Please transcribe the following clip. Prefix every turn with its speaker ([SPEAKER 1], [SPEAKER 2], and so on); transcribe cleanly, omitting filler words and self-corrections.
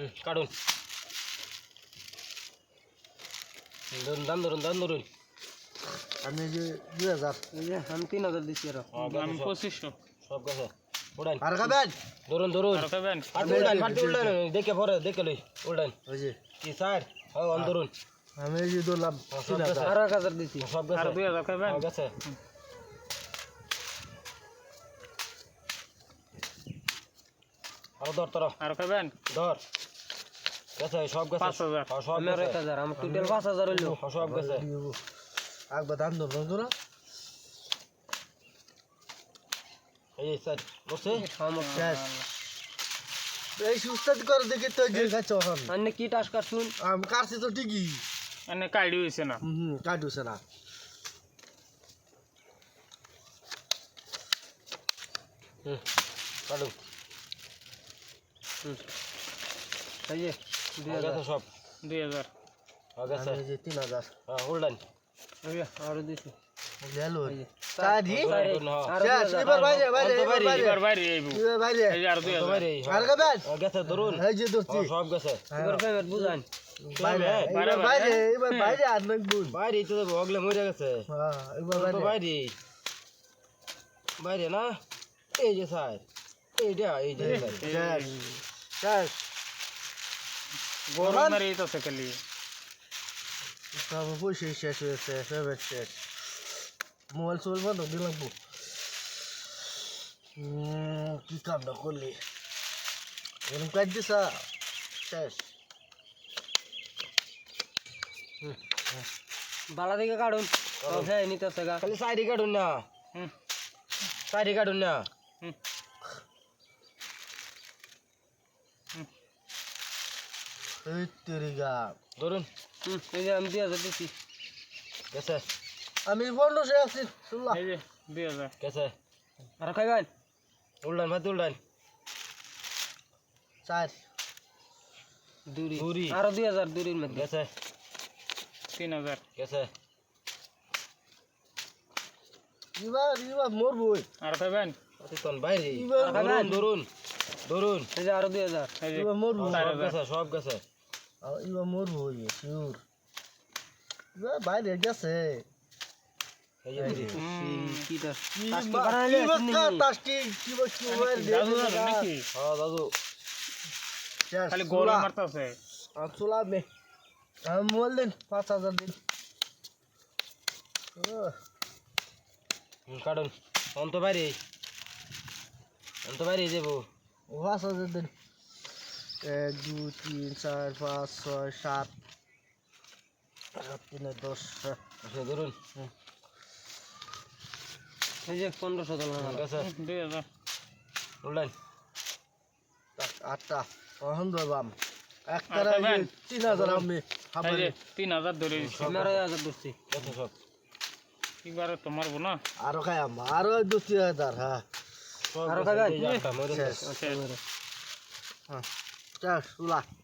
[SPEAKER 1] কাটুন দাম ধরুন
[SPEAKER 2] আমি যে 2000
[SPEAKER 3] এই যে আমি 3000 দিছি আর
[SPEAKER 4] আমি 2500
[SPEAKER 1] সব গেছে উড়ান
[SPEAKER 2] আর খাবেন
[SPEAKER 1] ধরুন
[SPEAKER 4] আর খাবেন
[SPEAKER 1] ফাটি উড়ান দেখে পরে দেখে লই উড়ান
[SPEAKER 2] ওই যে
[SPEAKER 1] কি স্যার হ্যাঁ ধরুন
[SPEAKER 2] আমি এই যে ধরলাম
[SPEAKER 1] সব গেছে
[SPEAKER 3] আর 1000 দিছি
[SPEAKER 1] সব
[SPEAKER 4] আর
[SPEAKER 1] গেছে
[SPEAKER 4] 2000 খাবেন
[SPEAKER 1] গেছে আর ধর তোরা
[SPEAKER 4] আর খাবেন
[SPEAKER 1] ধর গেছে সব গেছে
[SPEAKER 4] 5000
[SPEAKER 1] সব
[SPEAKER 3] আমার
[SPEAKER 1] গেছে
[SPEAKER 3] 1000 আমার টোটাল 5000 হইলো
[SPEAKER 1] সব গেছে
[SPEAKER 2] একবার দাম ধরলাম তোরা
[SPEAKER 1] এই স্যার বসে
[SPEAKER 3] আমার
[SPEAKER 2] শেষ এই সুস্থাত করে দেখে তো যে খাচ্ছ এখন
[SPEAKER 3] আন্নে কি টাস কাটছুন
[SPEAKER 2] আমি কাটছি তো ঠিকই
[SPEAKER 4] এনে কাইডি হইছে না
[SPEAKER 2] কাটুছে না
[SPEAKER 1] কাটু
[SPEAKER 3] এই যে
[SPEAKER 1] গেছে সব
[SPEAKER 4] 2000
[SPEAKER 1] গেছে
[SPEAKER 2] আমি এই যে 3000
[SPEAKER 1] হ্যাঁ উড়ান
[SPEAKER 3] এই যে আর দিছি
[SPEAKER 2] গেলো
[SPEAKER 3] এই যে
[SPEAKER 2] চারি
[SPEAKER 3] আর
[SPEAKER 2] শেষ এবার বাইরে বাইরে
[SPEAKER 4] এবার বাইরে আইবো
[SPEAKER 2] এবার বাইরে
[SPEAKER 4] এই যে আর 2000
[SPEAKER 2] আর খাবেন
[SPEAKER 1] গেছে ধরুন
[SPEAKER 2] এই যে ধরছি
[SPEAKER 1] সব গেছে
[SPEAKER 3] এবার পেমেন্ট বুঝান
[SPEAKER 2] বাইরে এবার বাইরে এবার বাইরে আর নাক বুন
[SPEAKER 1] বাইরে তো ভগলে মরে গেছে
[SPEAKER 2] হ্যাঁ এবার
[SPEAKER 1] তো
[SPEAKER 2] বাইরে
[SPEAKER 1] বাইরে না এই যে স্যার এই যে
[SPEAKER 2] শেষ শেষ
[SPEAKER 4] গরম মেরে তো সেকেলি
[SPEAKER 2] সব পয়সা শেষ হয়েছে সব শেষ মোবাইল সোবাইল বন্ধ দিলাম কি কামটা করলি এরকম কাজ দিছা শেষ
[SPEAKER 3] বালা দিকে কাটুন সব হ্যাঁ নিতেছে গা
[SPEAKER 1] খালি সাইডে কাটুন না সাইডে কাটুন না
[SPEAKER 2] এই তেরি গা
[SPEAKER 1] ধরুন
[SPEAKER 3] এই যে আমি 2000 দিছি
[SPEAKER 1] গেছে
[SPEAKER 2] আমি 1500 আছি শুনলা
[SPEAKER 4] এই যে 2000
[SPEAKER 1] গেছে
[SPEAKER 3] আর খাইবেন
[SPEAKER 1] উল্টান ভাত উল্টান
[SPEAKER 2] চার
[SPEAKER 3] দুরি আর 2000 দুরির মধ্যে
[SPEAKER 1] গেছে
[SPEAKER 4] 3000
[SPEAKER 1] গেছে
[SPEAKER 2] এবার মরবই
[SPEAKER 4] আর খাবেন
[SPEAKER 1] অতিক্ষণ বাইরে
[SPEAKER 2] এবার
[SPEAKER 1] ধরুন
[SPEAKER 3] এই যে আর 2000
[SPEAKER 4] এই যে
[SPEAKER 2] এবার মরবো
[SPEAKER 1] সব গেছে
[SPEAKER 2] এবার মরবই শিওর এবার বাইরে গেছে
[SPEAKER 1] এই যে দিদি
[SPEAKER 3] কি টাস
[SPEAKER 2] কি
[SPEAKER 3] টাস্কি বানাইলে
[SPEAKER 2] টাস্কি কি বস্তু
[SPEAKER 4] দাদু নাকি
[SPEAKER 1] হ্যাঁ দাদু
[SPEAKER 4] খালি গোলা মারতাছে
[SPEAKER 2] চুলা মে আমি মোবাইল দিন 5000 দিন
[SPEAKER 1] কাটুন অন্ত বাইরে যাবো
[SPEAKER 2] 5000 দিন 1 2 3 4 5 6 7 3 10
[SPEAKER 1] ধরুন
[SPEAKER 3] এই যে 1500 ডলার
[SPEAKER 1] গেছে
[SPEAKER 4] 2000
[SPEAKER 1] উল্টান
[SPEAKER 2] 8টা ওহন দবাম একটা 3000 আমি
[SPEAKER 4] এই যে 3000 ধরে দিছি
[SPEAKER 3] আমার 1000 দিছি
[SPEAKER 1] গেছে সব
[SPEAKER 4] এবারে তোমার বোনা
[SPEAKER 2] আরো খাইম আরো 2000 হ্যাঁ
[SPEAKER 1] সব
[SPEAKER 3] আরো
[SPEAKER 1] গেছে,
[SPEAKER 3] খাবেন?
[SPEAKER 1] এই যে একটা মরে গেছে।
[SPEAKER 4] শেষ
[SPEAKER 2] হ্যাঁ চল চুলা